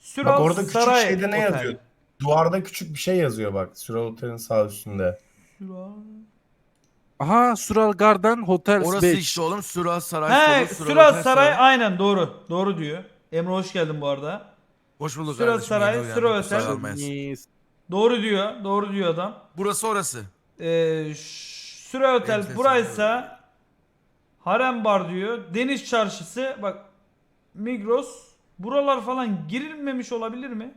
Bak Süral orada küçük Saray şeyde ne Otel. yazıyor? Duvarda küçük bir şey yazıyor bak. Süral Otel'in sağ üstünde. Süral. Aha, Sural Garden Hotels Orası işte 5. oğlum. Süral Saray He, Solu, Süral Süral Otel Saray Saray. aynen doğru. Doğru diyor. Emre hoş geldin bu arada. Hoş bulduk Süral kardeşim. Yeni Saray, Süral uyandım. Kusura Otel. kalmayasın. Doğru diyor. Doğru diyor adam. Burası orası. Süral Otel Benim buraysa Harem Bar diyor. Deniz Çarşısı bak Migros. Buralar falan girilmemiş olabilir mi?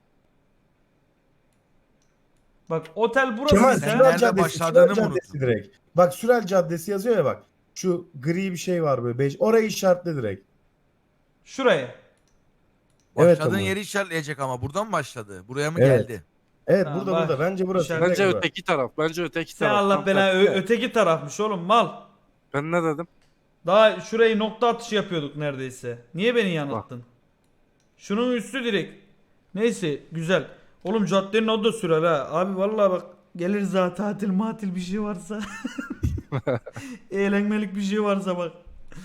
Bak otel burası Kemal ise Sen Süral nerede Caddesi, başladığını Süral mı Caddesi direkt. Bak Süral Caddesi yazıyor ya bak. Şu gri bir şey var böyle. Orayı işaretle direkt. şuraya. Evet Başladığın ama. yeri işaretleyecek ama. Buradan mı başladı? Buraya mı Evet. geldi? Evet Tamam, burada bak. burada. Bence burası. İşaret- Direkt Bence bura. öteki taraf. Bence öteki Sen taraf. Allah Tam belanı tersi. öteki tarafmış oğlum mal. Ben ne dedim? Daha şurayı nokta atışı yapıyorduk neredeyse. Niye beni yanılttın? Şunun üstü direkt. Neyse güzel. Oğlum caddenin adı da Süral ha. Abi vallahi bak geliriz ha tatil matil bir şey varsa. Eğlenmelik bir şey varsa bak.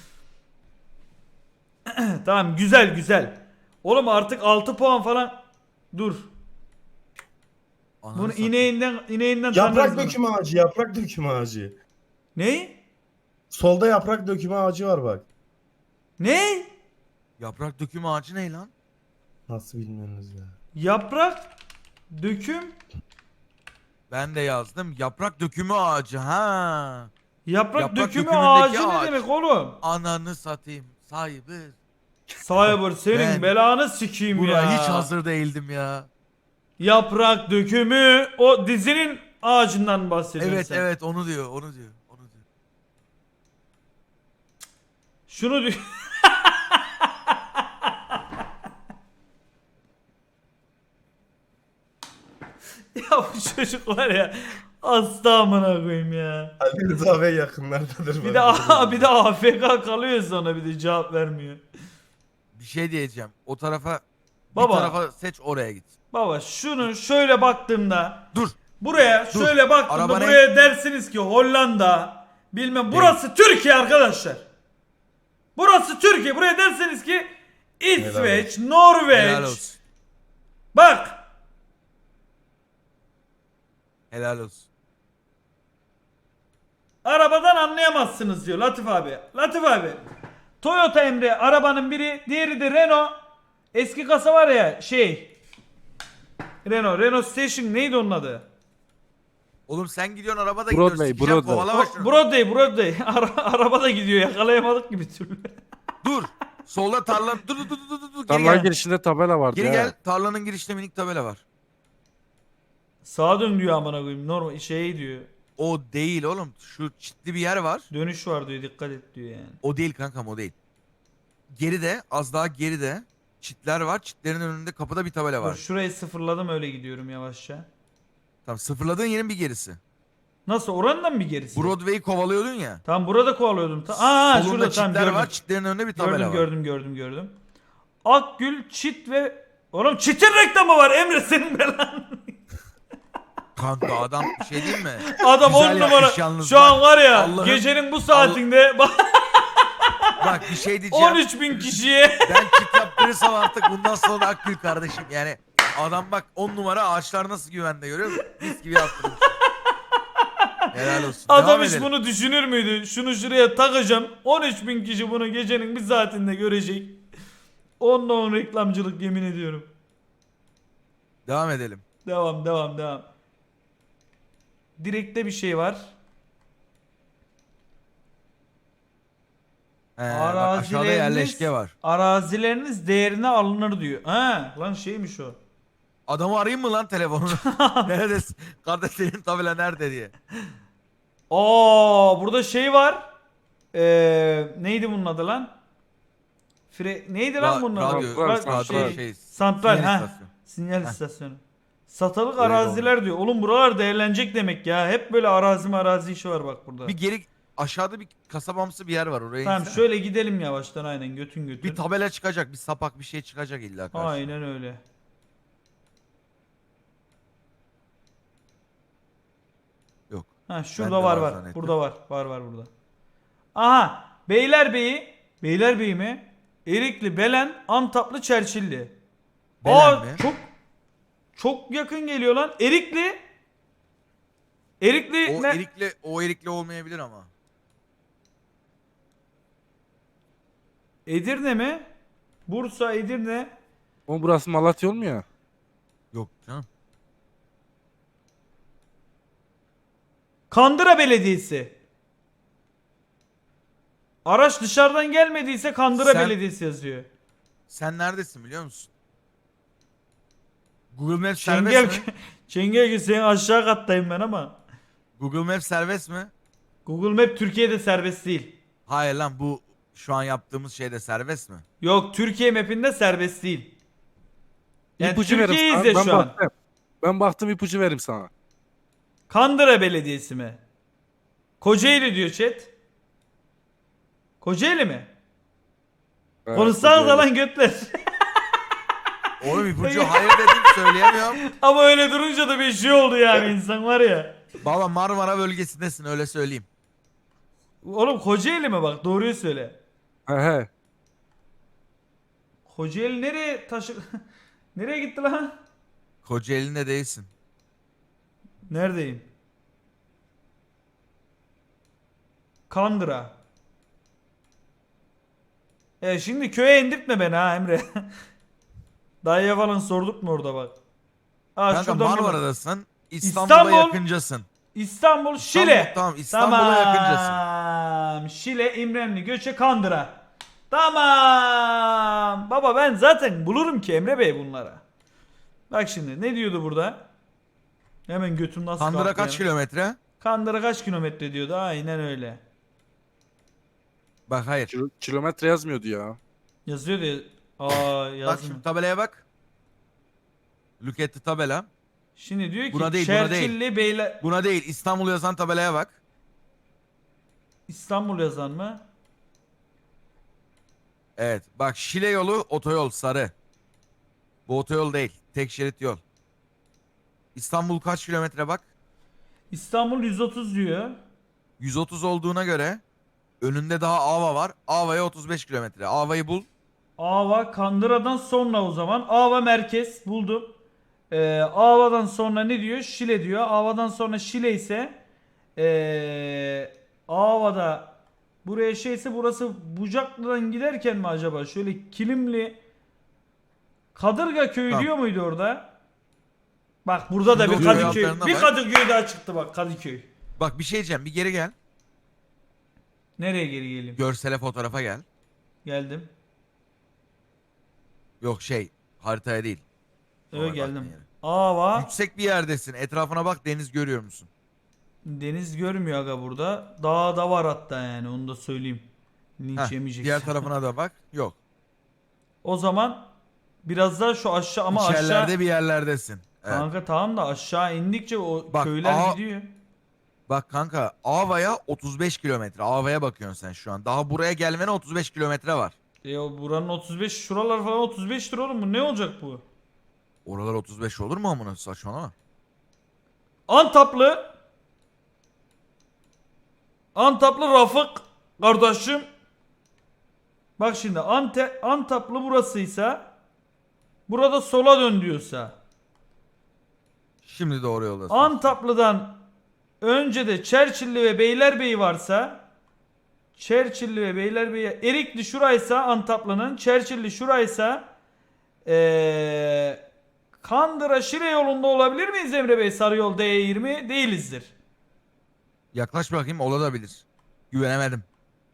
Tamam güzel güzel. Oğlum artık 6 puan falan. Dur. Ananı Bunu satayım. ineğinden tanırız Yaprak bunu. dökümü ağacı. Yaprak dökümü ağacı. Ne? Solda yaprak dökümü ağacı var bak. Ne? Yaprak dökümü ağacı ne lan? Nasıl bilmiyorsunuz ya. Yaprak döküm. Ben de yazdım. Yaprak dökümü ağacı. Ha. Yaprak Yaprak dökümü dökümündeki ağacı ne ağaç. demek oğlum? Ananı satayım. Sahibi. Cyber senin Ben belanı sikeyim Buna ya. hiç hazır değildim ya. Yaprak dökümü o dizinin ağacından bahsediyorsun Evet sen. evet onu diyor. Onu diyor. Onu diyor. Şunu diyor. Ya bu çocuk var ya hasta amına koyayım ya. Ali Rıza Bey yakınlardadır. Bir de bir de AFK kalıyor sonra bir de cevap vermiyor. Bir şey diyeceğim. O tarafa Baba. bir tarafa seç oraya git. Baba şunu şöyle baktığımda Dur. buraya Dur. şöyle baktığımda Araba ne? buraya dersiniz ki Hollanda bilmem burası Türkiye arkadaşlar. Burası Türkiye. Buraya derseniz ki İsveç, Helal Norveç. olsun. Bak. Helal olsun. Arabadan anlayamazsınız diyor Latif abi. Latif abi. Toyota Emre arabanın biri, diğeri de Renault. Eski kasa var ya şey. Renault Station neydi onun adı? Oğlum sen gidiyorsun arabada Broadway, gidiyorsun. Sikeceğim, Broadway. kovalama şunu. Broadway. Araba da gidiyor yakalayamadık gibi türlü. Dur. Solda tarla. Dur. Geri Tarla gel. girişinde tabela vardı Geri ya. gel. Tarlanın girişinde minik tabela var. Sağa dön diyor amına koyayım. Normal şey diyor. O değil oğlum. Şu çitli bir yer var. Dönüş var diyor dikkat et diyor yani. O değil kankam o değil. Geride az daha geride çitler var. Çitlerin önünde kapıda bir tabela Dur, var. şurayı sıfırladım öyle gidiyorum yavaşça. Tamam sıfırladığın yerin bir gerisi. Nasıl orandan mı gerisi? Broadway'i kovalıyordun ya. Tam burada kovalıyordum. Aa Solunda şurada tam çitler gördüm. var. Çitlerin önünde bir tabela Gördüm. Akgül, Çit ve... Oğlum Çit'in reklamı var Emre senin belan. Kanka adam bir şey değil mi? Adam Güzel 10 numara. yapmış yalnız Şu bak. an var ya Allah'ın- gecenin bu saatinde Bak bir şey diyeceğim. 13.000 kişiye. Ben çit yaptırırsam artık bundan sonra da Akgül kardeşim. Yani adam bak 10 numara ağaçlar nasıl güvende görüyor musun? Mis gibi yaptırmış. Helal olsun. Adam Devam hiç edelim. bunu düşünür müydü? Şunu şuraya takacağım. 13.000 kişi bunu gecenin bir saatinde görecek. 10'la 10 reklamcılık yemin ediyorum. Devam edelim. Devam. Direkte bir şey var. Bak aşağıda yerleşke var. Arazileriniz değerine alınır diyor. Ha lan şeymiş o. Adamı arayayım mı lan telefonunu? Neredesin? Kardeş senin tabela nerede diye. Burada şey var. Neydi bunun adı lan? Neydi lan bunun adı? Radyo şey. Santral sinyal ha. istasyonu. Sinyal Heh. istasyonu. Satılık Öyle araziler diyor. Oğlum buralar değerlenecek demek ya. Hep böyle arazi işi var bak burada. Bir geri aşağıda bir kasabamsı bir yer var oraya Tamam insene. şöyle gidelim yavaştan aynen götün. Bir tabela çıkacak, bir sapak bir şey çıkacak illa karşına. Aynen öyle. Yok. Ha şurada Ben de var var var. zannettim. Burada var. Var burada. Aha Beylerbeyi mi? Erikli, Belen, Antaplı, Çerçilli. Belen Aa mi? çok yakın geliyor lan. Erikli. Erikli O ne? erikli olmayabilir ama. Edirne mi? Bursa, Edirne. O burası Malatya olmuyor. Yok canım. Kandıra Belediyesi. Araç dışarıdan gelmediyse Kandıra Sen- Belediyesi yazıyor. Sen neredesin biliyor musun? Google Maps Çengel, serbest mi? Çengel senin aşağı kattayım ben ama. Google Maps serbest mi? Google Map Türkiye'de serbest değil. Hayır lan, bu şu an yaptığımız şeyde serbest mi? Yok, Türkiye map'inde serbest değil. Yani İpucu verim Türkiye'yi sana. izle Ben şu an. baktım. Ben baktım, ipucu verim sana. Kandıra Belediyesi mi? Kocaeli diyor chat. Kocaeli mi? Evet, Konuşsanız Kocaeli. lan götler. Oğlum ipucu hayır dedim, söyleyemiyorum. Ama öyle durunca da bir şey oldu yani insan var ya. Baba Marmara bölgesindesin, öyle söyleyeyim. Oğlum Kocaeli mi bak, doğruyu söyle. He he. Kocaeli nereye taşı... nereye gitti lan? Kocaeli'nde değilsin. Neredeyim? Kandıra. Şimdi köye indirtme beni ha Emre. Dayıya falan sorduk mu orada bak. Kanka şuradan bir bak. Marmara'dasın. İstanbul'a İstanbul. yakıncasın. İstanbul, Şile. Tamam, İstanbul'a yakıncasın. Tamam. Şile, İmremli, Göçe, Kandıra. Tamam. Baba ben zaten bulurum ki Emre Bey bunlara. Bak şimdi ne diyordu burada? Hemen götüm nasıl Kandıra kalktı kaç ya? kilometre? Kandıra kaç kilometre diyordu? Aynen öyle. Bak hayır. Kilometre yazmıyordu ya. Yazıyor diye. Aa Bak yazmıyor. şimdi tabelaya bak. Look at the tabela. Şimdi diyor ki Buna değil, buna değil. Çerçilli Beyler... Buna değil, İstanbul yazan tabelaya bak. İstanbul yazan mı? Evet. Bak Şile yolu otoyol sarı. Bu otoyol değil. Tek şerit yol. İstanbul kaç kilometre bak. İstanbul 130 diyor. 130 olduğuna göre önünde daha Ava var. Ava'ya 35 kilometre. Ava'yı bul. Ava Kandıra'dan sonra o zaman. Ava merkez buldum. Ava'dan sonra ne diyor? Şile diyor. Ava'dan sonra Şile ise Ava'da buraya şeyse burası Bucaklı'dan giderken mi acaba? Şöyle Kilimli Kadırga köyü Tamam. diyor muydu orada? Bak burada da Şimdi bir o köy Kadıköy. altlarına Bir bak. Kadıköy daha çıktı bak, Kadıköy. Bak bir şey diyeceğim. Bir geri gel. Nereye geri geleyim? Görsele fotoğrafa gel. Geldim. Yok haritaya değil. Evet Normal geldim. baktığın yere. Ava Yüksek bir yerdesin. Etrafına bak, deniz görüyor musun? deniz görmüyor aga burada. Dağ da var hatta yani onu da söyleyeyim. Linç Heh, yemeyeceksin. diğer tarafına da bak. Yok. O zaman biraz daha şu aşağı ama İçerilerde aşağı bir yerlerdesin. Evet. kanka tamam da aşağı indikçe o Bak, köyler gidiyor. Bak kanka, Ava'ya 35 kilometre. Ava'ya bakıyorsun sen şu an. Daha buraya gelmene 35 kilometre var. Buranın 35 şuralar falan 35 lira oğlum, bu ne olacak bu? Oralar 35 olur mu amına, saçmalama. Antaplı Rafık kardeşim. Bak şimdi Antaplı burasıysa burada sola dön diyorsa Şimdi doğru yoldasın. Antaplı'dan önce de Çerçilli ve Beylerbeyi varsa Çerçilli ve Beylerbeyi, Erikli şuraysa Antaplı'nın, Çerçilli şuraysa Kandıra Şile yolunda olabilir miyiz Emre Bey? Sarıyol D20 değilizdir. Yaklaş bakayım, olabilir. Güvenemedim.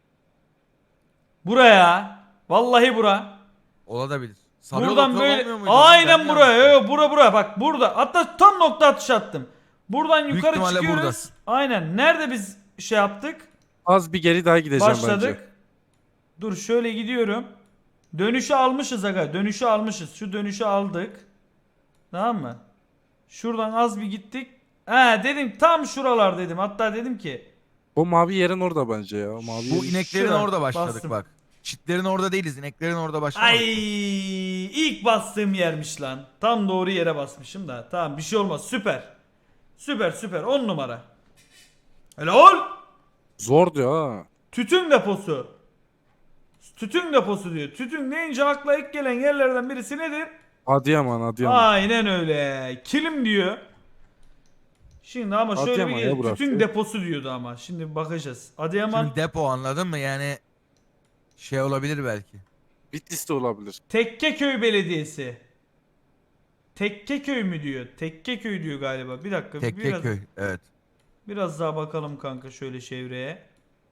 Buraya. Vallahi bura. Olabilir. Sarıyol Buradan otoyol böyle olmuyor muydu? aynen Ben buraya. yanlış- Bura bak burada. Hatta tam nokta atışı attım. Buradan Büyük yukarı ihtimalle çıkıyoruz. buradasın. Aynen. Nerede biz şey yaptık? Az bir geri daha gideceğim Başladık. bence. Dur şöyle gidiyorum. Dönüşü almışız aga. Dönüşü almışız. Şu dönüşü aldık. Tamam mı? Şuradan az bir gittik. Dedim tam şuralar dedim. Hatta dedim ki O mavi yerin orada bence ya. O mavi Bu yerin- ineklerin Şura, orada başladık bastım. bak. Çitlerin orada değiliz. İneklerin orada başladık. ay ilk bastığım yermiş lan. Tam doğru yere basmışım da. Tamam bir şey olmaz. Süper. Süper 10 numara. Helal. Zor diyor ha. Tütün deposu. Tütün deposu diyor. Tütün deyince akla ilk gelen yerlerden birisi nedir? Adıyaman. Aynen öyle. Kilim diyor. Şimdi ama şöyle bir Adıyaman ya gel. burası. Tütün deposu diyordu ama. Şimdi bakacağız. Adıyaman Şimdi depo anladın mı? Yani şey olabilir belki. Bitlis'te olabilir. Tekkeköy Belediyesi. Tekkeköy mü diyor? Tekkeköy diyor galiba. Bir dakika. Tekkeköy. Evet. Biraz daha bakalım kanka şöyle çevreye.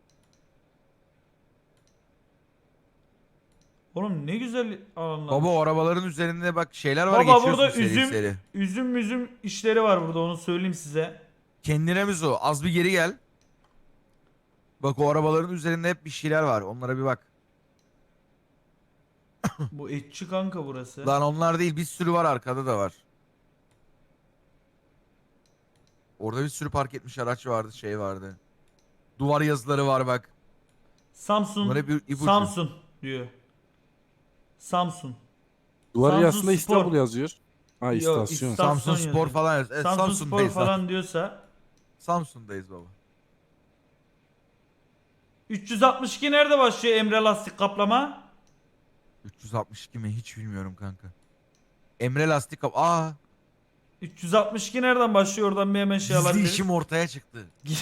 Oğlum ne güzel alanlar. Baba o arabaların üzerinde bak şeyler var, Baba geçiyorsun burada seri seri. üzüm işleri var burada, onu söyleyeyim size. Kendine mi o? Az bir geri gel. Bak o arabaların üzerinde hep bir şeyler var. Onlara bir bak. Bu etçi kanka burası. Lan onlar değil, bir sürü var, arkada da var. Orada bir sürü park etmiş araç vardı, şey vardı. Duvar yazıları var bak. Samsun. Bunlar hep ipucu. Samsun diyor. Samsun. Duvarı Samsun aslında Spor. İstanbul yazıyor. Ha Yok, istasyon. İstanbul. Samsun Spor yazıyor. falan yaz. Evet, Samsun Spor Samsun'dayız. falan diyorsa. Samsun'dayız baba. 362 nerede başlıyor Emre lastik kaplama? 362 mi hiç bilmiyorum kanka. Emre Lastik Kap. Aa, 362 nereden başlıyor, oradan bir hemen şey gizli alabiliriz. işim ortaya çıktı.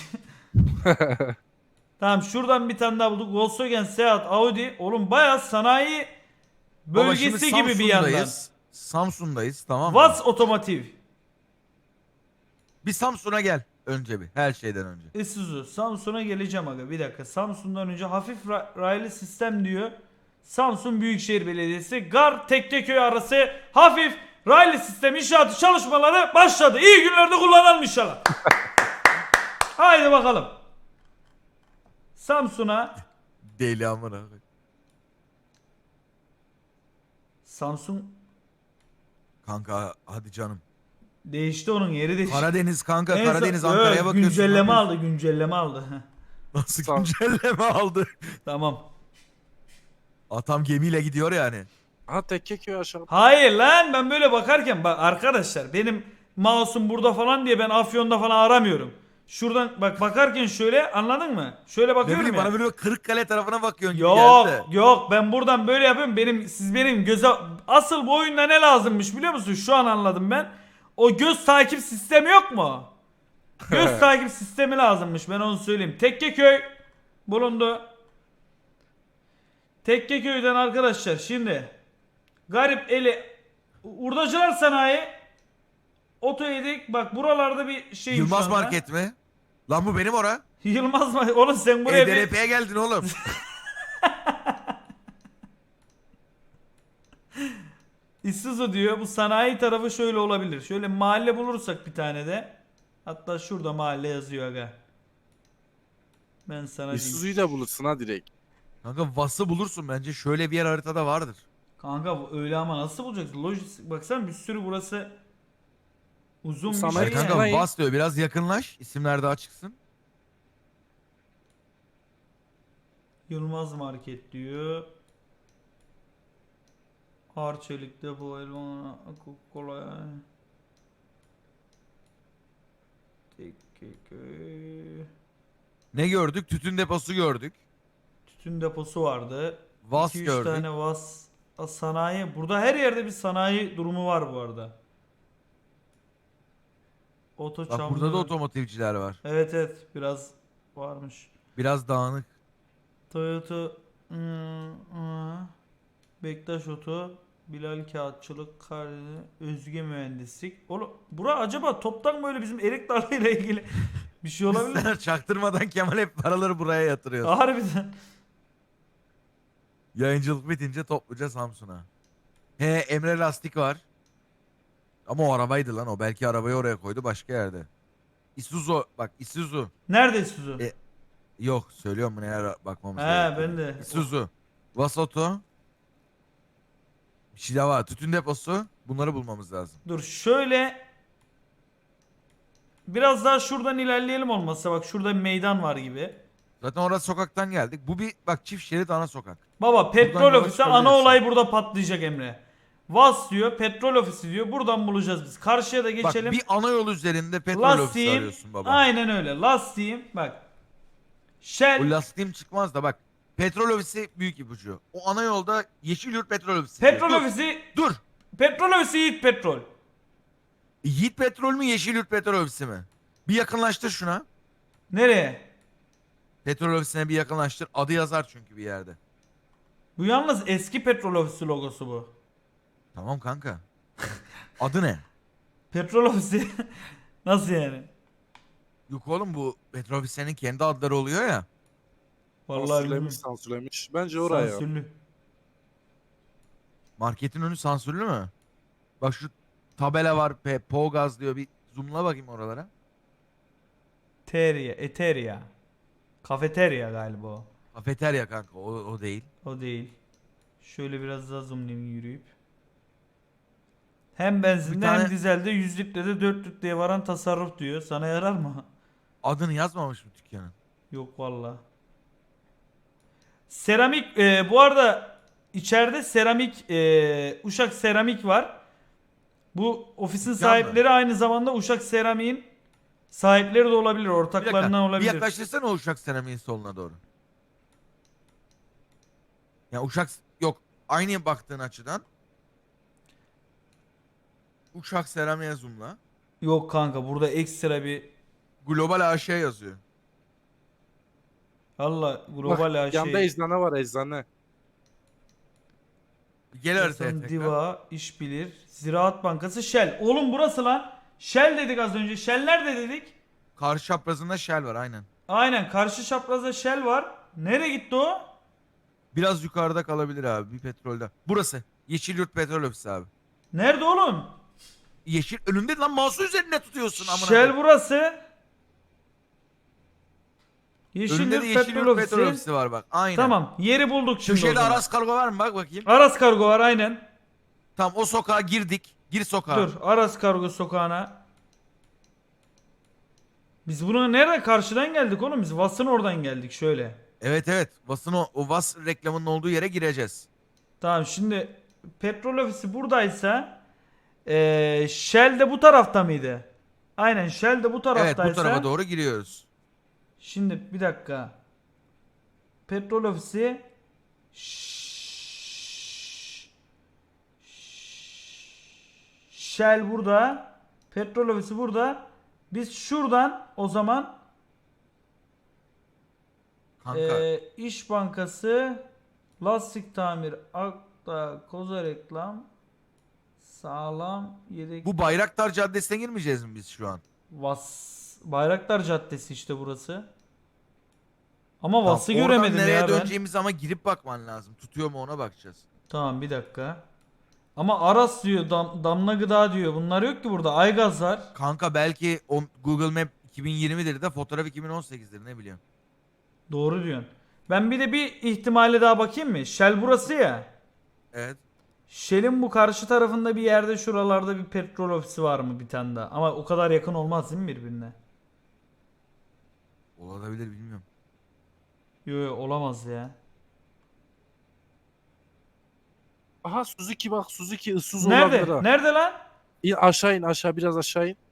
Tamam, şuradan bir tane daha bulduk. Volkswagen, Seat, Audi. Oğlum bayağı sanayi Baba şimdi bölgesi gibi bir yandan. Samsun'dayız. Samsun'dayız, tamam mı? Vaz Otomotiv. Bir Samsun'a gel önce bir, her şeyden önce. Isuzu. Samsun'a geleceğim aga. Bir dakika. Samsun'dan önce hafif raylı sistem diyor. Samsun Büyükşehir Belediyesi. Gar Tekkeköy arası hafif raylı sistem inşaatı çalışmaları başladı. İyi günlerde kullanalım inşallah. Haydi bakalım. Samsun'a. Deli amına. Samsun Kanka hadi canım. değişti, onun yeri değişti. Karadeniz kanka, En son- Karadeniz Yok, Ankara'ya bakıyorsun. güncelleme Ne aldı, güncelleme aldı. Heh, Nasıl Sağ ol. güncelleme aldı? tamam. Atam gemiyle gidiyor yani. Ha Tekkeköy aşağı. Hayır lan, ben böyle bakarken bak arkadaşlar, benim mouse'um burada falan diye ben Afyon'da falan aramıyorum. Şuradan bak bakarken şöyle, anladın mı? Şöyle Ne bakıyorum bileyim, ya. bana böyle Kırıkkale tarafına bakıyorsun gibi Yok geldi. yok, ben buradan böyle yapıyorum. Siz benim göze, asıl bu oyunda ne lazımmış biliyor musun? Şu an anladım ben. O göz takip sistemi yok mu? Göz takip sistemi lazımmış, ben onu söyleyeyim. Tekkeköy bulundu. Tekkeköy'den arkadaşlar şimdi garip eli Urdacılar Sanayi Oto Yedik, bak buralarda bir şey. Yılmaz Market mi? Lan bu benim ora. Yılmaz mı? Oğlum sen buraya bir... EDRP'ye geldin oğlum. Isuzu diyor. Bu sanayi tarafı şöyle olabilir. Şöyle mahalle bulursak bir tane de. Hatta şurada mahalle yazıyor aga. Ben sana diyeyim. İsuzu'yu da bulursun ha direkt. Kanka Vas'ı bulursun bence, şöyle bir yer haritada vardır. Kanka bu öyle ama nasıl bulacaksın? Lojistik baksana, bir sürü burası uzun bir Sanayi şey Kanka yani. sanayi. Vas diyor, biraz yakınlaş, isimler daha çıksın. Yılmaz Market diyor. Arçelik depo, elma, Coca-Cola. Tekkeköy. Ne gördük? Tütün deposu gördük. Tütün deposu vardı. Vas 2-3 gördük. tane sanayi. Burada her yerde bir sanayi durumu var bu arada. Oto Bak burada da otomotivciler var. Evet evet, biraz varmış. Biraz dağınık. Toyota, Bektaş Oto, Bilal Kağıtçılık, Karadeniz, Özge Mühendislik. Oğlum bura acaba toptan böyle bizim erik dalıyla ilgili bir şey olabilir mi? Sen çaktırmadan Kemal hep paraları buraya yatırıyor. Harbiden. Yayıncılık bitince topluca Samsun'a. He, Emre Lastik var. Ama o arabaydı lan o. Belki arabayı oraya koydu başka yerde. Isuzu bak, Isuzu. Nerede Isuzu? Yok söylüyorum, bunu eğer bakmamız He gerekiyor. ben de. Isuzu. Vasoto. Bir şey daha var. Tütün deposu. Bunları bulmamız lazım. Dur şöyle biraz daha şuradan ilerleyelim olmazsa, bak şurada bir meydan var gibi. Zaten orası sokaktan geldik. Bu bir bak, çift şerit ana sokak. Baba petrol yola ofisi, ana çıkabilirsin. olay burada patlayacak Emre. Vas diyor, petrol ofisi diyor. Buradan bulacağız biz. Karşıya da geçelim. Bak bir ana yol üzerinde petrol ofisi Lastiğim, arıyorsun baba. aynen öyle. Lastiğim bak. Shell, O lastiğim çıkmaz da bak. Petrol ofisi büyük ipucu. O ana yolda Yeşilyurt petrol ofisi. diyor. petrol Dur, ofisi Dur. Petrol ofisi Yiğit Petrol. Yiğit Petrol mü Yeşilyurt Petrol Ofisi mi? Bir yakınlaştır şuna. Nereye? Petrol ofisine bir yakınlaştır. Adı yazar çünkü bir yerde. Bu yalnız eski petrol ofisi logosu bu. Tamam kanka. Adı ne? Petrol ofisi. Nasıl yani? Yok oğlum bu petrol ofislerinin kendi adları oluyor ya. Vallahi bilmiyorum. Sansürlemiş sansürlemiş. Bence oraya. Sansürlü. Marketin önü sansürlü mü? Bak şu tabela var. Pogaz diyor. Bir zoomla bakayım oralara. Eteria. Kafeterya galiba o. Kafeterya kanka o değil. O değil. Şöyle biraz daha zoomlayayım yürüyüp. Hem benzinde Bir tane- hem dizelde 100 litrede 4 litreye varan tasarruf diyor. Sana yarar mı? Adını yazmamış mı dükkanın? Yok valla. Seramik bu arada içeride seramik Uşak Seramik var. Bu ofisin Dükkan mı? sahipleri aynı zamanda Uşak Seramik'in sahipleri de olabilir, Bir ortaklarından dakika. Bir olabilir. yaklaştırsana o Uşak Seramik'in soluna doğru. Ya Uşak yok. Aynı baktığın açıdan. Uşak Seramik'e zoomla. Yok kanka burada ekstra bir Global AŞ yazıyor. Allah global Bak şey. yanda eczane var eczane. Gel haritaya Hasan tekrar. Diva, İş Bilir, Ziraat Bankası, Shell. Oğlum burası lan. Shell dedik az önce. Shell nerede dedik? Karşı çaprazında Shell var aynen. Aynen karşı çaprazda Shell var. Nereye gitti o? Biraz yukarıda kalabilir abi bir petrolde. Burası. Yeşilyurt Petrol Ofisi abi. Nerede oğlum? Yeşil önünde lan mouse'u üzerine tutuyorsun amına. Shell koyayım. burası. Önünde Yeşilyurt de Petrol Yeşilyurt Petrol Ofisi. Ofisi var bak. Aynen. Tamam yeri bulduk şimdi o Köşede zaman. Aras Kargo var mı bak bakayım. Aras Kargo var aynen. Tamam o sokağa girdik. Gir sokağa. Dur Aras Kargo sokağına. Biz buna nerede karşıdan geldik oğlum? Biz Vas'ın oradan geldik şöyle. Evet evet. Vas'ın o Vas reklamının olduğu yere gireceğiz. Tamam şimdi petrol ofisi buradaysa Shell de bu tarafta mıydı? Aynen Shell de bu Evet taraftaysa. bu tarafa doğru giriyoruz. Şimdi bir dakika. Petrol ofisi Shell burada. Petrol ofisi burada. Biz şuradan o zaman Kanka. İş Bankası, lastik tamir, akta, koza reklam, sağlam, yedek, Bu Bayraktar Caddesi'ne girmeyeceğiz mi biz şu an? Bayraktar Caddesi işte burası. Ama Tamam, Vas'ı oradan göremedim nereye ya ben. döneceğimiz ama girip bakman lazım. Tutuyor mu ona bakacağız. Tamam bir dakika. Ama Aras diyor, Damla Gıda diyor. Bunlar yok ki burada. Aygaz var. Kanka belki o Google Map 2020'dir de fotoğraf 2018'dir ne biliyorum. Doğru diyorsun. Ben bir de bir ihtimale daha bakayım mı? Shell burası ya. Evet. Shell'in bu karşı tarafında bir yerde şuralarda bir petrol ofisi var mı bir tane daha? Ama o kadar yakın olmaz değil mi birbirine? Olabilir bilmiyorum. Yok olamaz ya. Aha Suzuki bak Suzuki ıssız Nerede? olabilir ha. Nerede lan? İn aşağı in aşağı biraz aşağı in.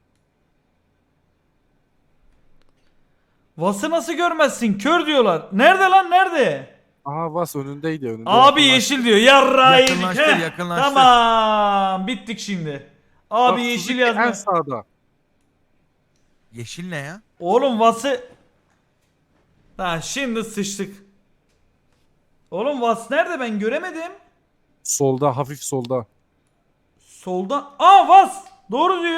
Vas'ı nasıl görmezsin? Kör diyorlar. Nerede lan? Nerede? Aha Vas önündeydi önünde. Abi Yakınlaş- yeşil diyor. Yarra yedik. Yakınlaştır, Heh, yakınlaştır. Tamam. Bittik şimdi. Abi Bak, yeşil Suzuki yazma. en sağda. Yeşil ne ya? Oğlum Vas'ı... Ha şimdi sıçtık. Oğlum Vas nerede? Ben göremedim. Solda hafif solda. Solda. Aa Vas. Doğru diyor.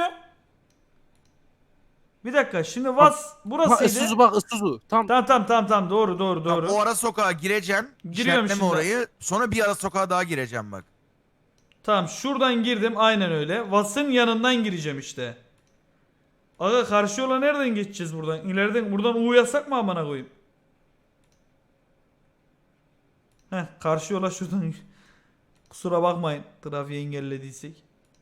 Bir dakika. Şimdi Vas Ha burasıydı. Isuzu bak Isuzu. Tam Tamam. Doğru. Tamam, o ara sokağa gireceksin. Giriyorum İşaretleme şimdi. orayı. Sonra bir ara sokağa daha gireceğim bak. Tamam şuradan girdim. Aynen öyle. Vas'ın yanından gireceğim işte. Aga karşı yola nereden geçeceğiz buradan? İleriden buradan U yasak mı amına koyayım? Heh karşı yola şuradan. Kusura bakmayın trafiği engellediysek.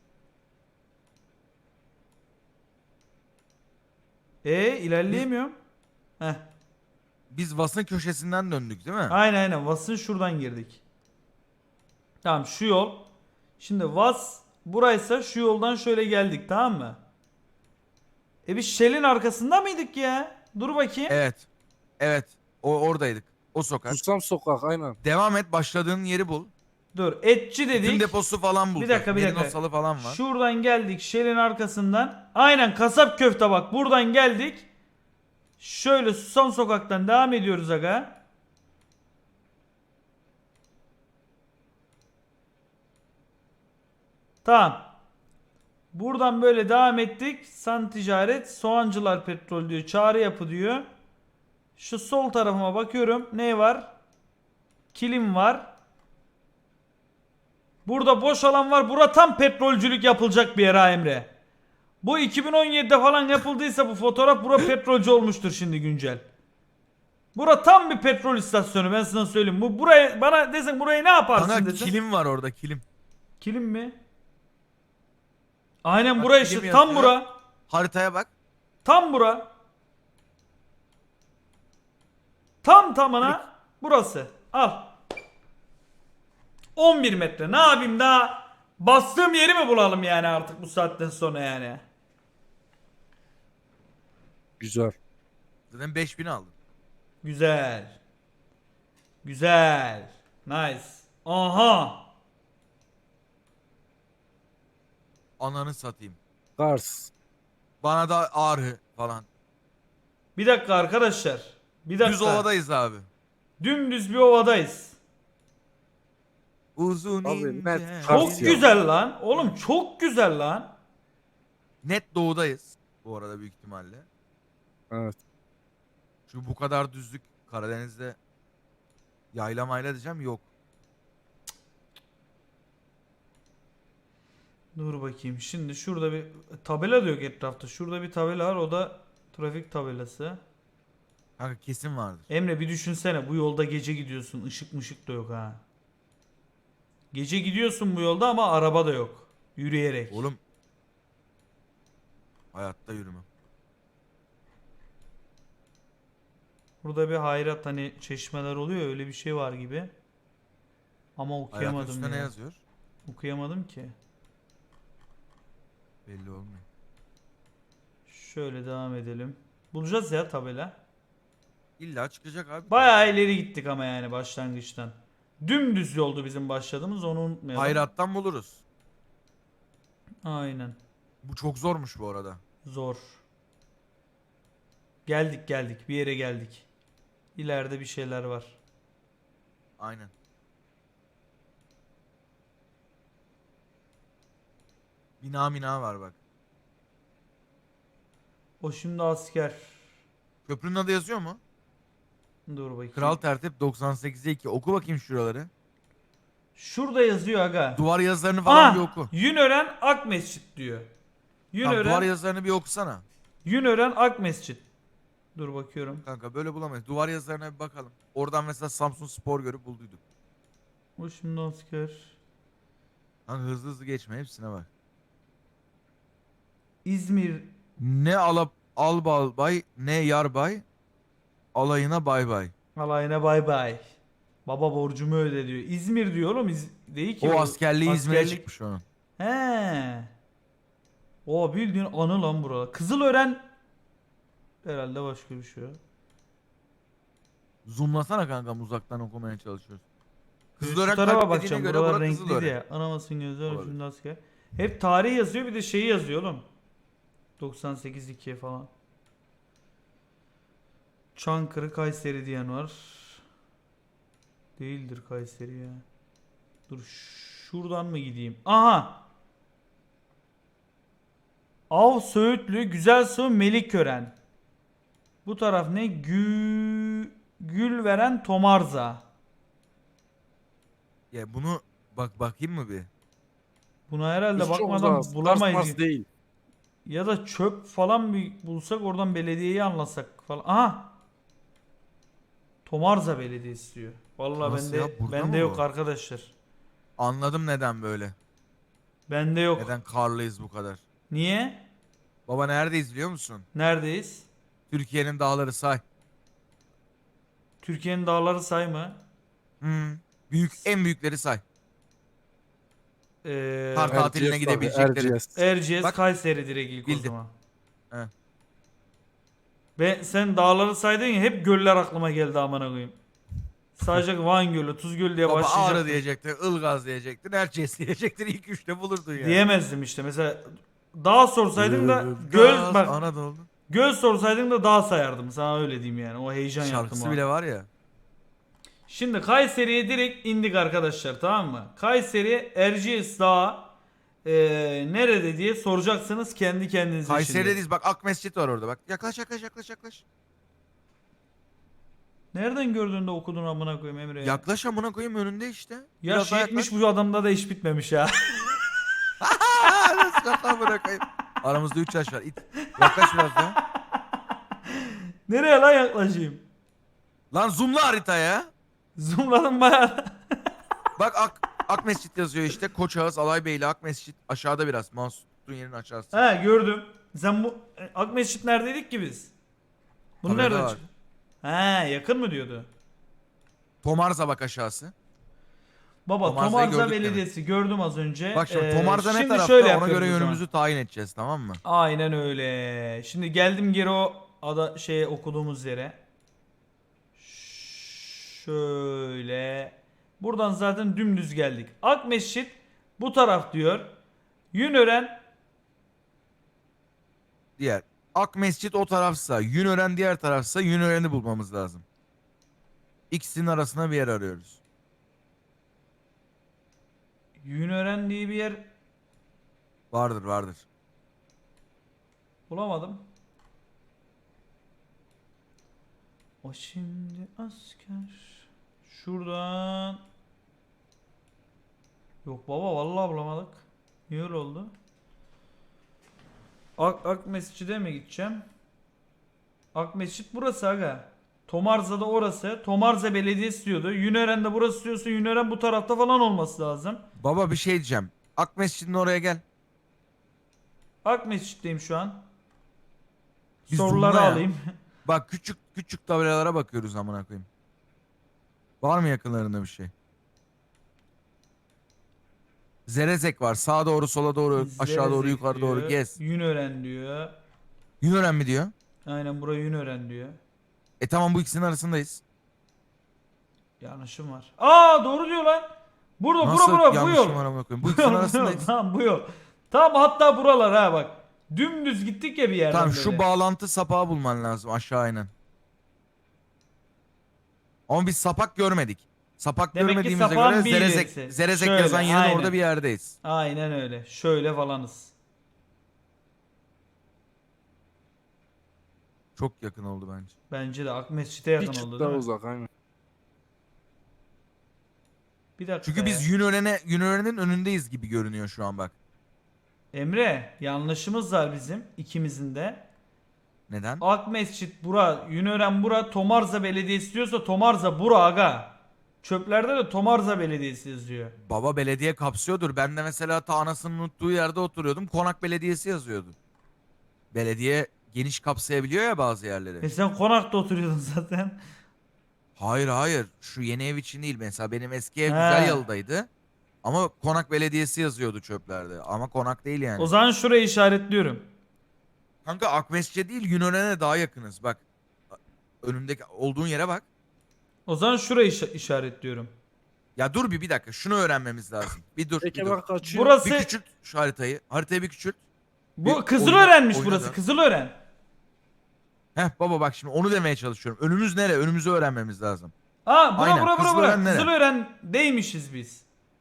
İlerleyemiyorum. Heh. Biz Vas'ın köşesinden döndük değil mi? Aynen Vas'ın şuradan girdik. Tamam şu yol. Şimdi Vas buraysa şu yoldan şöyle geldik tamam mı? Biz Shell'in arkasında mıydık ya? Dur bakayım. Evet. Evet. O oradaydık. O sokak. Susam sokak aynen. Devam et. Başladığın yeri bul. Dur etçi Tüm dedik. deposu falan bulacak. dakika, bir dakika. Merinosalı falan var. Şuradan geldik Shell'in arkasından. Aynen kasap köfte bak buradan geldik. Şöyle Susam Sokak'tan devam ediyoruz aga. Tamam. Buradan böyle devam ettik. San Ticaret, Soğancılar Petrol diyor. Çağrı Yapı diyor. Şu sol tarafıma bakıyorum. Ne var? Kilim var. Burada boş alan var. Bura tam petrolcülük yapılacak bir yer ha Emre. Bu 2017'de falan yapıldıysa bu fotoğraf bura petrolcü olmuştur şimdi güncel. Bura tam bir petrol istasyonu ben sana söyleyeyim. Bu buraya bana desen burayı ne yaparsın Kanka desen. kilim var orada kilim. Kilim mi? Aynen Bak, bura kilim işte tam yazıyor. bura. Haritaya bak. Tam bura. Tam tamına burası. Al. 11 metre. Ne yapayım daha? Bastığım yeri mi bulalım yani artık bu saatten sonra yani? Güzel. Zaten 5000 aldım. Güzel. Güzel. Nice. Aha. Ananı satayım. Kars. Bana da ağrı falan. Bir dakika arkadaşlar. Bir dakika. Düz ovadayız abi. Dümdüz bir ovadayız. Uzun Abi, ince. net Çok Kars ya. güzel lan. Oğlum çok güzel lan. Net doğudayız. Bu arada büyük ihtimalle. Evet. Çünkü bu kadar düzlük Karadeniz'de yayla mayla diyeceğim yok. Dur bakayım. Şimdi şurada bir tabela da yok etrafta. Şurada bir tabela var. O da trafik tabelası. Kanka kesin vardır. Emre bir düşünsene. Bu yolda gece gidiyorsun. Işık mışık da yok ha. Gece gidiyorsun bu yolda ama araba da yok. Yürüyerek. Oğlum. Hayatta yürümem. Burada bir hayrat hani çeşmeler oluyor ya, öyle bir şey var gibi. Ama Hayatın okuyamadım üstünde ne ya. yazıyor? Okuyamadım ki. Belli olmuyor. Şöyle devam edelim. Bulacağız ya tabela. İlla çıkacak abi. Bayağı ileri gittik ama yani başlangıçtan. Dümdüz yoldu bizim başladığımız, onu unutmayalım. Hayrattan buluruz. Aynen. Bu çok zormuş bu arada. Zor. Geldik bir yere geldik. İleride bir şeyler var. Aynen. Bina var bak. O şimdi asker. Köprünün adı yazıyor mu? Dur bakayım. Kral Tertip 98'e 2. Oku bakayım şuraları. Şurada yazıyor aga. Duvar yazılarını falan bir Ah! oku. Yünören Ak Mescit diyor. Tamam, duvar Yünören, yazılarını bir okusana. Yünören Ak Mescit. Dur bakıyorum. Kanka böyle bulamayız. Duvar yazılarına bir bakalım. Oradan mesela Samsun Spor görüp bulduyduk. O şimdi asker. Kanka hızlı hızlı geçme hepsine bak. İzmir. Ne albay ne yarbay. Alayına bay bay. Alayına bay bay. Baba borcumu öde diyor. İzmir diyor oğlum. Değil ki. O askerliği İzmir'e askerlik- çıkmış onun. He. O bildiğin anı lan burada. Kızılören herhalde başka bir şey. Zoomlasana kankam, uzaktan okumaya çalışıyoruz. Şu Kızılören tarafa kalp bakacağım. dediğine göre Buralar bura renkli Kızılören. diye. Anamasın gözler Olabilir. ucunda asker. Hep tarih yazıyor, bir de şeyi yazıyor oğlum. 98-2 falan. Çankırı Kayseri diyen var. Değildir Kayseri ya. Dur şuradan mı gideyim? Aha. Av Söğütlü, Güzelsu, Melikkören. Bu taraf ne? Gülveren, Tomarza. Ya bunu bakayım mı bir? Buna herhalde Hiç çok bakmadan uzak. bulamayız. Kars değil. Ya da çöp falan bir bulsak oradan belediyeyi anlasak falan. Aha. Tomarza Belediyesi diyor. Vallahi Nasıl ya? Burada bende mı yok bu? arkadaşlar. Anladım neden böyle. Bende yok. Neden karlıyız bu kadar. Niye? Baba neredeyiz biliyor musun? Neredeyiz? Türkiye'nin dağları say. Türkiye'nin dağları sayma. En büyükleri say. Kar Erciyes tatiline abi, gidebilecekleri. Erciyes. Erciyes, Bak. Kayseri direkt ilk o Bildim. zaman. He. Sen dağları saydın ya, hep göller aklıma geldi amına koyayım. Sadece Van Gölü, Tuz Gölü diye Baba Ağrı başlayacaktım. diyecektin, Ilgaz diyecektin, Erciyes diyecektin. İlk üçte bulurdun yani. Diyemezdim işte. Mesela dağ sorsaydın da göl Ilgaz, bak Anadolu. göl sorsaydın da dağ sayardım. Sana öyle diyeyim yani. O heyecan yaptım Şarkısı o bile an. var ya. Şimdi Kayseri'ye direkt indik arkadaşlar, tamam mı? Kayseri Erciyes Dağı nerede diye soracaksınız kendi kendinize şimdi. Kayseri'deyiz bak, Akmescit var orada bak. Yaklaş. Nereden gördün de okudun amına koyayım Emre ya? Yaklaş amına koyayım, önünde işte. Yaş daha 70 bu adamda da iş bitmemiş ya. Nasıl yaklaş amına koyayım. Aramızda 3 yaş var. İt. Yaklaş biraz daha. Nereye lan yaklaşayım? Lan zoomla haritaya. Zoomladım bayağı. Bak Akmescit yazıyor işte. Koçağız, Alaybeyli, Akmescit. Aşağıda biraz. Mouse tuttuğun yerin aşağısı. He gördüm. Sen bu Akmescit neredeydik ki biz? Bunu Tabelada nereden var. çıktı? He yakın mı diyordu? Tomarza bak aşağısı. Baba Tomarza'yı Tomarza gördük Belediyesi gördüm az önce. Bak şimdi Tomarza ne şimdi tarafta, şöyle ona yapıyoruz göre o zaman. yönümüzü tayin edeceğiz, tamam mı? Aynen öyle. Şimdi geldim geri o şeye okuduğumuz yere. Şöyle. Buradan zaten dümdüz geldik. Akmescit bu taraf diyor. Yünören Diğer. Akmescit o tarafsa, Yünören diğer tarafsa, Yünören'i bulmamız lazım. İkisinin arasına bir yer arıyoruz. Yünören diye bir yer Vardır. bulamadım. O şimdi asker. Şuradan. Yok baba vallahi bulamadık. Niye öyle oldu? Akmescit'e mi gideceğim? Akmescit burası aga. Tomarza'da orası. Tomarza Belediyesi diyordu. Yünören'de burası diyorsa Yünören bu tarafta falan olması lazım. Baba bir şey diyeceğim. Akmescit'in oraya gel. Akmescit'teyim şu an. Biz Soruları zoomla ya. alayım. Bak küçük tabelalara bakıyoruz amına koyayım. Var mı yakınlarında bir şey? Zerezek var. Sağa doğru, sola doğru, aşağı doğru, Zerezek yukarı doğru diyor. gez. Yünören diyor. Yünören mi diyor? Aynen buraya Yünören diyor. Tamam, bu ikisinin arasındayız. Yanlışım var. Aa doğru diyor lan. Burada Nasıl bura bu yanlışım yol. var amına koyayım? Bu ikisinin Bu yol, arasındayız. tamam bu yol. Tamam hatta buralar ha bak. Dümdüz gittik ya bir yerden Tamam, böyle. şu bağlantı sapağı bulman lazım aşağı inen. Ama biz sapak görmedik. Sapak Demek ki görmediğimize sapağın göre bir Zerezek, ilerisi. Zerezek Şöyle, yazan yerin aynen. orada bir yerdeyiz. Aynen öyle. Şöyle falanız. Çok yakın oldu bence. Bence de Akmescit'e Bir yakın çıt oldu daha değil mi? uzak aynen. Bir dakika Çünkü biz ya. Yünören'in önündeyiz gibi görünüyor şu an bak. Emre yanlışımız var bizim ikimizin de. Neden? Akmescit bura, Yünören bura, Tomarza Belediyesi diyorsa Tomarza bura aga. Çöplerde de Tomarza Belediyesi yazıyor. Baba belediye kapsıyordur. Ben de mesela ta anasının unuttuğu yerde oturuyordum. Konak Belediyesi yazıyordu. Belediye geniş kapsayabiliyor ya bazı yerleri. Sen konakta oturuyordun zaten. Hayır. Şu yeni ev için değil. Mesela benim eski ev He. Güzelyalı'daydı. Ama Konak Belediyesi yazıyordu çöplerde. Ama Konak değil yani. O zaman şurayı işaretliyorum. Kanka Akmescit'e değil, Yunören'e daha yakınız. Bak. Önündeki olduğun yere bak. O zaman şurayı işaretliyorum. Ya dur bir dakika. Şunu öğrenmemiz lazım. Bir dur. Peki Bir dur. bak kaçıyor. Burası Bir küçült şu haritayı. Haritayı bir küçült. bu bir Kızılören'miş oyna burası. da. Kızılören. Heh baba bak şimdi onu demeye çalışıyorum. Önümüz nere? Önümüzü öğrenmemiz lazım. Aa bura Aynen, bura Kızılören nere? Kızılören'deymişiz biz.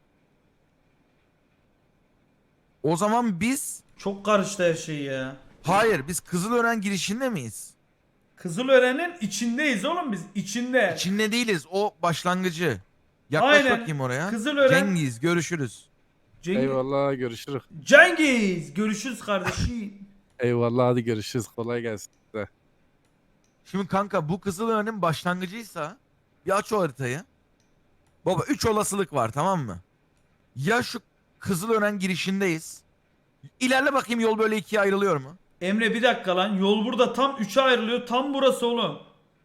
O zaman biz... Çok karıştı her şey ya. Hayır, biz Kızılören girişinde miyiz? Kızılören'in içindeyiz oğlum biz. İçinde. İçinde değiliz. O başlangıcı. Yaklaş Aynen. bakayım oraya. Kızılören- Cengiz görüşürüz. Eyvallah görüşürüz. Cengiz. Görüşürüz kardeşim. Eyvallah hadi görüşürüz. Kolay gelsin. size. Şimdi kanka bu Kızılören'in başlangıcıysa bir aç o haritayı. Baba 3 olasılık var, tamam mı? Ya şu Kızılören girişindeyiz. İlerle bakayım, yol böyle ikiye ayrılıyor mu? Emre bir dakika lan. Yol burada tam 3'e ayrılıyor. Tam burası oğlum.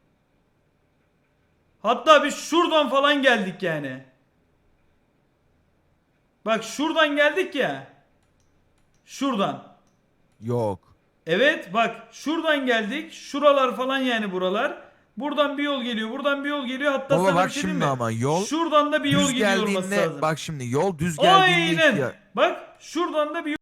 Hatta biz şuradan falan geldik yani. Bak şuradan geldik ya. Şuradan. Yok. Evet bak şuradan geldik. Şuralar falan yani buralar. Buradan bir yol geliyor. Buradan bir yol geliyor. Hatta Baba sana bak bir şey diyeyim şimdi mi? ama yol Şuradan da bir yol düz gidiyor olması geldiğinde lazım. bak şimdi yol düz geldiğinde Aynen. Bak şuradan da bir